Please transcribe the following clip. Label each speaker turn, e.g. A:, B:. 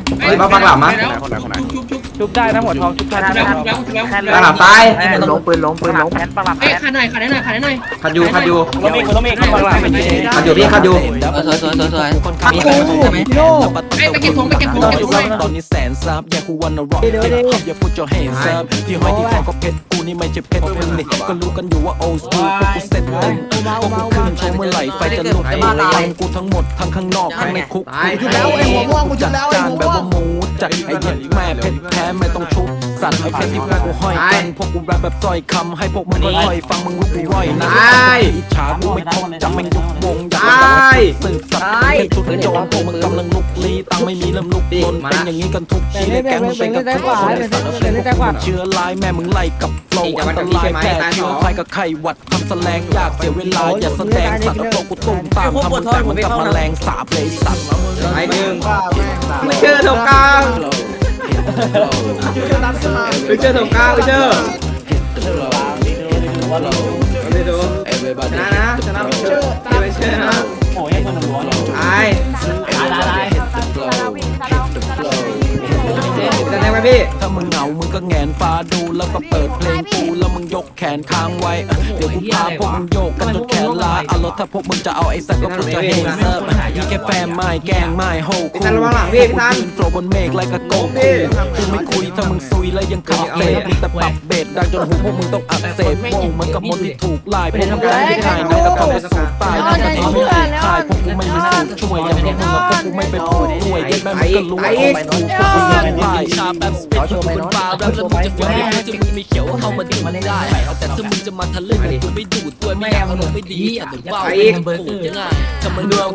A: มาบังหลับมั้ย
B: ชุบได้นะหัวทองชุบได้
A: บังหลับตาย
C: ปืนล้ม
D: แพนปลาแพน
A: ขัดอยู่
B: ต้องมีข้างหลัง
A: ขัดอยู่พี่ขัดอยู่
E: สวยคนขับมีใช่ไหม
A: ไปเก็บของ
F: ตอนนี้แสนซับอย่ากูวันนรกเด็กขับอย่าพูดจะเห็นซับที่ห้อยที่คอก็เพชรกูนี่ไม่ใช่เพชรมึงนี่ก็รู้กันอยู่ว่าโอสกูพวกกูเซ็ตเต็มพวกกูขึ้นโชว์เมื่อไหร่ไฟจะลุกฟังกูทั้งหมดทั้งข้างนอกทั้งในคุกจัดจานแบบว่าหมูจัดไอ้เหี้ยแม่เพชรแท้ไม่ต้องชุบสัตว์ไอ้เพชรที่พวกกูห้อยกันพวกกูแรปแบบซอยคำให้พวกมึงก็ค่อยฟังมึงรู้กูร่อยนะอิจฉากูไม่ทนจำแม่งยุบวงอยากสืบสัตว์เป็นชุดโจรพวกมึงกำลังลุกลี้ตังไม่มีเริ่มลุกลนเป็นอย่างนี้กันทุกทีในแก๊งมึงเป็นกับทุกคนในสัตว์เป็นพวกมึงเชื้อลายแม่มึงไล่กับโฟล์อันตรายแค่เชื้อใครกับใครวัดทำแสลงยากเสียเวลาอย่าแสดงสัตว์โฟล์กูตุ้มตามทำมึงแต่มันกับแมลงสาบเลยสัตว์
A: ไอ้หนึ่งไม่เจอตรงกลางไม่เจอตรงกลางไม่เจอไม่ดูชนะนะชนะไม่เจอไม่เจอนะ
B: โอ้ยคนหนึ่งล้วน
A: ตายจะแทงไหมพี่
F: ถ้ามึงเหงามึงก็แงนฟ้าดูแล้วก็เปิดเพลงกูแล้วมึงยกแขนค้างไว้เดี๋ยวกูพาพวกมึงโยกกันจนแขนลาเอารถถ้าพวกมึงจะเอาไอ้สัตว์ก็พวกจะเฮเซิร์ฟยี่แค่แฟนไม่แกงไม่โฮคูยืนโผล่บนเมฆไรกับโกคูกูไม่คุยถ้ามึงซุยแล้วยังขับเตะมีแต่ปรับเบสดังจนหูพวกมึงต้องอักเสบโง่เหมือนกับมดที่ถูกไล่พวกมึงได้ไม่ได้นะก็ต้องไปสูดตายถ้ามันไม่ได้ตายพวกกูไม่มีสูตรช่วยอย่างพวกมึงกับพวกกูไม่เป็นผู้ช่วยยันแม่มึงก็รู้ว่าเอาไปถูกพวกมึงยังตายชาแบบสเปนกูเป็นปลาแล้วมึงจะฟังไม่จะมึงมีเขียวเข้ามาดูมันได้แต่ถ้ามึงจะมาทะลึ่งกูไม่ดูดด้วยไม่อยากอารมณ์ไม่ดีแต่ว่าเป็นเบอร์ยังไงถ้ามันเรื่อง